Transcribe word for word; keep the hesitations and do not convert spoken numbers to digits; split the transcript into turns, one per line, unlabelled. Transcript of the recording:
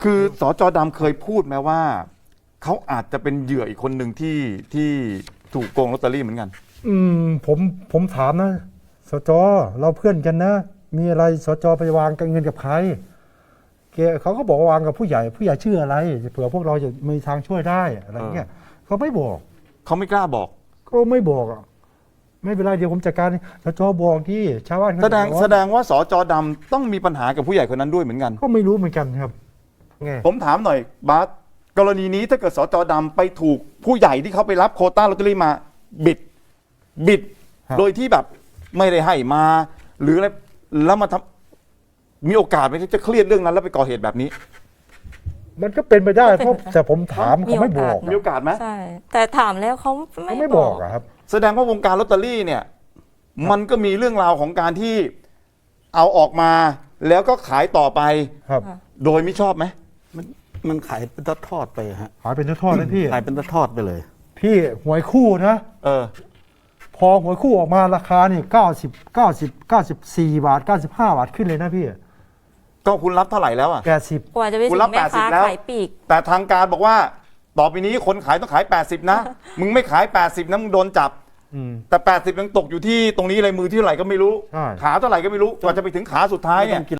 คือสจดำเคยพูดไหมว่าเขาอาจจะเป็นเหยื่ออีกคนหนึ่งที่ที่ถูกโกงลอตเตอรี่เหมือนกัน
อืมผมผมถามนะสจเราเพื่อนกันนะ มีอะไรสจไปวางเงินกับใครแกเขาก็บอกว่าวางกับผู้ใหญ่ผู้ใหญ่ชื่ออะไรเผื่อพวกเราจะมีทางช่วยได้อะไรเงี้ยเขาไม่บอก
เขาไม่กล้าบอก
ก็ไม่บอกอ่ะไม่เป็นไรเดี๋ยวผมจัดการสจบอกที่ชาวบ้าน
แสดงแสดงว่าสจดำต้องมีปัญหากับผู้ใหญ่คนนั้นด้วยเหมือนกัน
ก็ไม่รู้เหมือนกันครับไง
ผมถามหน่อยบาสกรณีนี้ถ้าเกิดสจดำไปถูกผู้ใหญ่ที่เขาไปรับโควต้าลอตเตอรี่มาบิดบิดโดยที่แบบไม่ได้ให้มาหรืออะไรแล้วมาทำมีโอกาสไหมที่จะเครียดเรื่องนั้นแล้วไปก่อเหตุแบบนี้
มันก็เป็นไปได้เพราะแต่ผมถามเขาไม่บอก
มีโอกาสไหม
ใช่แต่ถามแล้วเขาไม่
ไม่บอกอะครับ
แสดงว่าวงการลอตเตอรี่เนี่ยมันก็มีเรื่องราวของการที่เอาออกมาแล้วก็ขายต่อไป
ครับ
โดยไม่ชอบไหม
มันมันขายเป็นทอดๆไปฮะ
ขายเป็นทอดๆเลยพี่
ขายเป็นทอดๆไปเลย
พี่หวยคู่นะ
เออ
พอหวยคู่ออกมาราคานี่เก้าสิบเก้าสิบเก้าสิบสี่บาทเก้าสิบห้าบาทขึ้นเลยนะพี่
ก็คุณรับเท่าไหร่แล้วอ่ะ
แปดสิบ
กว่าจะไปถึงแม่ค้าขายปีก
แต่ทางการบอกว่าต่อไปนี้คนขายต้องขายแปดสิบนะมึงไม่ขายแปดสิบนะมึงโดนจับแต่แปดสิบยังตกอยู่ที่ตรงนี้เลยมือที่เท่าไหร่ก็ไม่รู้ขาเท่าไหร่ก็ไม่รู้กว่าจะไปถึงขาสุดท้ายเนี่ย